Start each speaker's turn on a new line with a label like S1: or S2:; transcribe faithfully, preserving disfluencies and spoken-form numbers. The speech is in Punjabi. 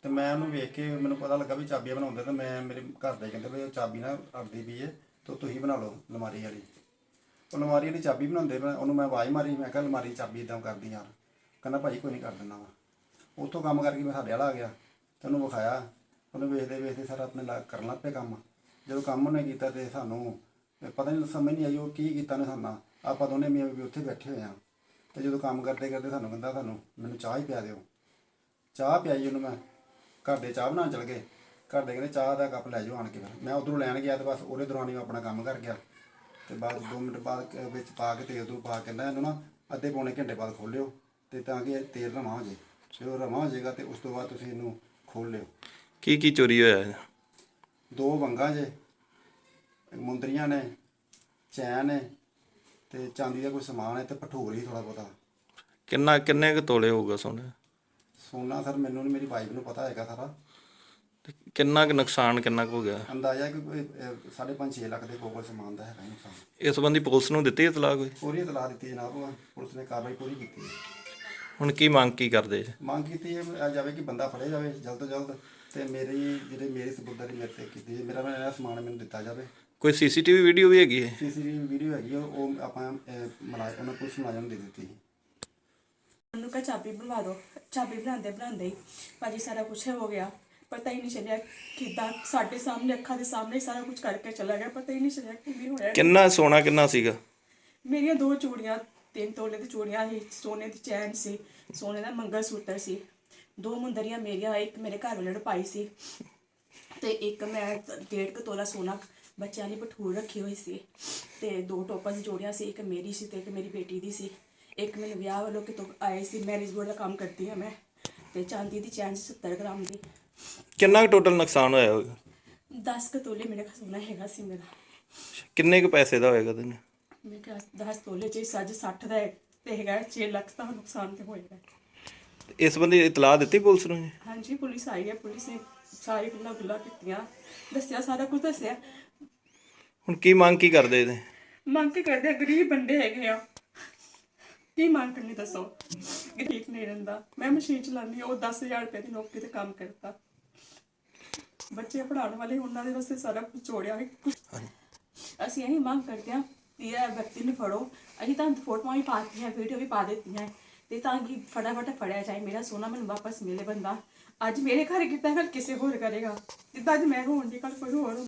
S1: ਤੇ ਮੈਂ ਉਹਨੂੰ ਵੇਖ ਕੇ ਮੈਨੂੰ ਪਤਾ ਲੱਗਾ ਵੀ ਚਾਬੀਆਂ ਬਣਾਉਂਦੇ, ਤੇ ਮੈਂ ਮੇਰੇ ਘਰ ਦੇ ਕਹਿੰਦੇ ਵੀ ਉਹ ਚਾਬੀ ਨਾ ਅੜਦੀ ਪਈ ਹੈ ਤੇ ਤੁਸੀਂ ਬਣਾ ਲਓ ਅਲਮਾਰੀ ਵਾਲੀ। ਉਹ ਅਲਮਾਰੀ ਵਾਲੀ ਚਾਬੀ ਬਣਾਉਂਦੇ ਮੈਂ ਉਹਨੂੰ ਮੈਂ ਆਵਾਜ਼ ਮਾਰੀ, ਮੈਂ ਕਿਹਾ ਅਲਮਾਰੀ ਚਾਬੀ ਇਦਾਂ ਕਰਦੀ ਯਾਰ। ਕਹਿੰਦਾ ਭਾਜੀ ਕੋਈ ਨਹੀਂ ਕਰ ਦਿੰਦਾ ਵਾ। ਉੱਥੋਂ ਕੰਮ ਕਰਕੇ ਮੈਂ ਸਾਡੇ ਵਾਲਾ ਆ ਗਿਆ ਤੇ ਉਹਨੂੰ ਵਿਖਾਇਆ। ਉਹਨੂੰ ਵੇਖਦੇ ਵੇਖਦੇ ਸਾਰਾ ਆਪਣੇ ਲਾ ਕਰਨ ਲੱਗ ਪਿਆ ਕੰਮ। ਜਦੋਂ ਕੰਮ ਉਹਨੇ ਕੀਤਾ ਤੇ ਸਾਨੂੰ ਪਤਾ ਨਹੀਂ ਸਮਝ ਨਹੀਂ ਆਈ ਉਹ ਕੀ ਕੀਤਾ ਨੇ ਸਾਨੂੰ। ਆਪਾਂ ਦੋਨੇ ਮੀਆਂ ਬੀਬੀ ਉੱਥੇ ਬੈਠੇ ਹੋਏ ਹਾਂ ਤੇ ਜਦੋਂ ਕੰਮ ਕਰਦੇ ਕਰਦੇ ਸਾਨੂੰ ਕਹਿੰਦਾ ਤੁਹਾਨੂੰ ਮੈਨੂੰ ਚਾਹ ਹੀ ਪਿਆ ਦਿਓ। ਚਾਹ ਪਿਆਈ ਉਹਨੂੰ ਮੈਂ। ਘਰ ਦੇ ਚਾਹ ਬਣਾਉਣ ਚਲ ਗਏ। ਘਰ ਦੇ ਕਹਿੰਦੇ ਚਾਹ ਦਾ ਕੱਪ ਲੈ ਜਾਓ ਆਣ ਕੇ। ਫਿਰ ਮੈਂ ਉੱਧਰੋਂ ਲੈਣ ਗਿਆ ਤੇ ਬਸ ਉਹਦੇ ਦੌਰਾਨ ਹੀ ਮੈਂ ਆਪਣਾ ਕੰਮ ਕਰ ਗਿਆ। ਤੇ ਬਾਅਦ ਦੋ ਮਿੰਟ ਬਾਅਦ ਵਿੱਚ ਪਾ ਕੇ ਤੇਲ ਤੂਲ ਪਾ ਕੇ ਕਹਿੰਦਾ ਇਹਨੂੰ ਨਾ ਅੱਧੇ ਪੌਣੇ ਘੰਟੇ ਬਾਅਦ ਖੋਲ੍ਹਿਓ ਤੇ ਤਾਂ ਕਿ ਤੇਲ ਰਵਾਂ ਹੋ ਜਾਏ। ਜਦੋਂ ਰਵਾਂ ਹੋ ਜਾਏਗਾ ਤੇ ਉਸ ਤੋਂ ਬਾਅਦ ਤੁਸੀਂ ਇਹਨੂੰ ਖੋਲ੍ਹ ਲਿਓ।
S2: ਕੀ ਕੀ ਚੋਰੀ ਹੋਇਆ?
S1: ਦੋ ਵੰਗਾਂ ਜੇ, ਮੁੰਦਰੀਆਂ ਨੇ, ਚੈਨ ਹੈ ਤੇ ਚਾਂਦੀ ਦਾ ਕੋਈ ਸਮਾਨ ਹੈ ਤੇ ਭਠੂਰ ਹੀ ਥੋੜ੍ਹਾ ਬਹੁਤਾ।
S2: ਕਿੰਨਾ ਕਿੰਨੇ ਕੁ ਤੋਲੇ ਹੋਊਗਾ ਸੋਨਾ?
S1: ਸੋਨਾ ਸਰ ਮੈਨੂੰ ਨਹੀਂ, ਮੇਰੀ ਵਾਈਫ ਨੂੰ ਪਤਾ ਹੈਗਾ ਸਾਰਾ।
S2: ਤੇ ਕਿੰਨਾ ਕੁ ਨੁਕਸਾਨ ਕਿੰਨਾ ਕੁ ਹੋ ਗਿਆ?
S1: ਅੰਦਾਜ਼ਾ ਕਿ ਕੋਈ ਅਹ, ਸਾਢੇ ਪੰਜ ਛੇ ਲੱਖ ਦੇ ਕੋਲ ਸਮਾਨ ਦਾ ਹੈਗਾ ਨੁਕਸਾਨ।
S2: ਇਸ ਸੰਬੰਧੀ ਪੁਲਿਸ ਨੂੰ ਦਿੱਤੀ ਇਤਲਾਹ ਕੋਈ?
S1: ਪੂਰੀ ਇਤਲਾਹ ਦਿੱਤੀ ਜਨਾਬ, ਪੁਲਿਸ ਨੇ ਕਾਰਵਾਈ ਪੂਰੀ ਕੀਤੀ ਹੈ।
S2: ਹੁਣ ਕੀ ਮੰਗ ਕੀ ਕਰਦੇ?
S1: ਮੰਗ ਕੀਤੀ ਹੈ ਜਾਵੇ ਕਿ ਬੰਦਾ ਫੜਿਆ ਜਾਵੇ ਜਲਦ ਤੋਂ ਜਲਦ ਤੇ ਮੇਰੀ ਜਿਹੜੇ ਮੇਰੀ ਸਬੂਤਾਂ ਮੇਰੇ ਤੇ ਕੀਤੀ ਹੈ, ਮੇਰਾ ਮੇਰਾ ਸਮਾਨ ਮੈਨੂੰ ਦਿੱਤਾ ਜਾਵੇ।
S2: ਕੋਈ ਸੀਸੀਟੀਵੀ ਵੀਡੀਓ ਵੀ ਹੈਗੀ ਹੈ?
S1: ਸੀਸੀਟੀਵੀ ਵੀਡੀਓ ਹੈਗੀ ਆ, ਉਹ ਆਪਾਂ ਮਲਾ ਉਹਨਾਂ ਪੁਲਿਸ ਮੁਲਾਜ਼ਮ ਨੂੰ ਦੇ ਦਿੱਤੀ ਸੀ।
S3: ਉਹਨੂੰ ਕਹਾ ਚਾਬੀ ਬਣਵਾ ਦਿਓ। ਚਾਬੀ ਬਣਾਉਂਦੇ ਬਣਾਉਂਦੇ ਹੀ ਭਾਜੀ ਸਾਰਾ ਕੁਛ ਹੋ ਗਿਆ। ਪਤਾ ਹੀ ਨਹੀਂ ਚੱਲਿਆ ਕਿੱਦਾਂ ਸਾਡੇ ਸਾਹਮਣੇ ਅੱਖਾਂ ਦੇ ਸਾਹਮਣੇ ਸਾਰਾ ਕੁਝ ਕਰਕੇ ਚਲਾ ਗਿਆ। ਪਤਾ ਹੀ ਨਹੀਂ ਚੱਲਿਆ ਕੀ ਹੋਇਆ।
S2: ਕਿੰਨਾ ਸੋਨਾ ਕਿੰਨਾ ਸੀਗਾ?
S3: ਮੇਰੀਆਂ ਦੋ ਚੂੜੀਆਂ, ਤਿੰਨ ਤੋਲੇ ਦੀ ਚੂੜੀਆਂ ਸੀ, ਸੋਨੇ ਦੀ ਚੈਨ ਸੀ, ਸੋਨੇ ਦਾ ਮੰਗਲ ਸੂਤਰ ਸੀ, ਦੋ ਮੁੰਦਰੀਆਂ ਮੇਰੀਆਂ, ਇੱਕ ਮੇਰੇ ਘਰ ਵਾਲੇ ਨੇ ਪਾਈ ਸੀ ਤੇ ਇੱਕ ਮੈਂ ਡੇਢ ਕੁ ਤੋਲਾ ਸੋਨਾ ਬੱਚਿਆਂ ਲਈ ਭਠੂਰ ਰੱਖੀ ਹੋਈ ਸੀ ਤੇ ਦੋ ਟੋਪਾਂ ਦੀ ਜੋੜੀਆਂ ਸੀ, ਇੱਕ ਮੇਰੀ ਸੀ ਤੇ ਇੱਕ ਮੇਰੀ ਬੇਟੀ ਦੀ ਸੀ। ਇੱਕ ਮੈਨੂੰ ਵਿਆਹ ਵੱਲੋਂ ਕਿਤੋਂ ਆਏ ਸੀ, ਮੈਰਿਜ ਬੋਰਡ ਦਾ ਕੰਮ ਕਰਦੀ ਹਾਂ ਮੈਂ। ਤੇ ਚਾਂਦੀ ਦੀ ਚੈਨ ਸੱਤਰ ਗ੍ਰਾਮ ਦੀ।
S2: ਕਿੰਨਾ ਕੁ ਟੋਟਲ ਨੁਕਸਾਨ ਹੋਇਆ ਹੋਵੇਗਾ?
S3: ਦਸ ਕੁ ਤੋਲੇ ਮੇਰੇ ਕੋਲ ਸੋਨਾ ਹੈਗਾ ਸੀ ਮੇਰਾ।
S2: ਕਿੰਨੇ ਕੁ ਪੈਸੇ ਦਾ ਹੋਏਗਾ ਤੈਨੂੰ?
S3: ਮੇਰੇ ਕੋਲ ਦਸ ਤੋਲੇ ਚ ਸੱਜ ਸੱਠ ਦਾ ਤੇ ਹੈਗਾ ਛੇ ਲੱਖ ਦਾ ਨੁਕਸਾਨ ਤੇ ਹੋਏਗਾ।
S2: ਇਸ ਸੰਬੰਧੀ ਇਤਲਾਹ ਦਿੱਤੀ ਪੁਲਿਸ ਨੂੰ ਜੀ?
S3: ਹਾਂਜੀ ਪੁਲਿਸ ਆਈ ਹੈ, ਪੁਲਿਸ ਨੇ ਸਾਰੀ ਗੱਲਾਂ ਗੁੱਲਾਂ ਕੀਤੀਆਂ, ਦੱਸਿਆ, ਸਾਰਾ ਕੁਝ ਦੱਸਿਆ।
S2: ਹੁਣ ਕੀ ਮੰਗ ਕੀ ਕਰਦੇ ਇਹਦੇ?
S3: ਮੰਗ ਕੇ ਕਰਦੇ ਆ, ਗਰੀਬ ਬੰਦੇ ਹੈਗੇ ਆ, ਕੀ ਮੰਗ ਕਰਨੀ ਦੱਸੋ। ਗਰੀਬ ਨਹੀਂ ਰਹਿੰਦਾ। ਮੈਂ ਮਸ਼ੀਨ ਚਲਾਉਂਦੀ, ਉਹ ਦਸ ਹਜ਼ਾਰ ਰੁਪਏ ਦੀ ਨੌਕਰੀ ਤੇ ਕੰਮ ਕਰਦਾ। ਬੱਚੇ ਪੜ੍ਹਾਉਣ ਵਾਲੇ ਉਹਨਾਂ ਦੇ ਵਾਸਤੇ ਸਾਰਾ ਕੁਝ ਜੋੜਿਆ। ਅਸੀਂ ਇਹੀ ਮੰਗ ਕਰਦੇ ਹਾਂ ਕਿ ਇਹ ਵਿਅਕਤੀ ਨੂੰ ਫੜੋ। ਅਸੀਂ ਤਾਂ ਫੋਟੋਆਂ ਵੀ ਪਾ ਦਿੱਤੀਆਂ, ਵੀਡੀਓ ਵੀ ਪਾ ਦਿੱਤੀਆਂ ਤੇ ਤਾਂ ਕਿ ਫਟਾਫਟ ਫੜਿਆ ਜਾਏ, ਮੇਰਾ ਸੋਨਾ ਮੈਨੂੰ ਵਾਪਸ ਮਿਲੇ। ਬੰਦਾ ਅੱਜ ਮੇਰੇ ਘਰ ਕੀਤਾ, ਕੱਲ ਕਿਸੇ ਹੋਰ ਕਰੇਗਾ। ਜਿੱਦਾਂ ਅੱਜ ਮੈਂ ਹੋਣ ਦੀ, ਕੱਲ ਕੋਈ ਹੋਰ।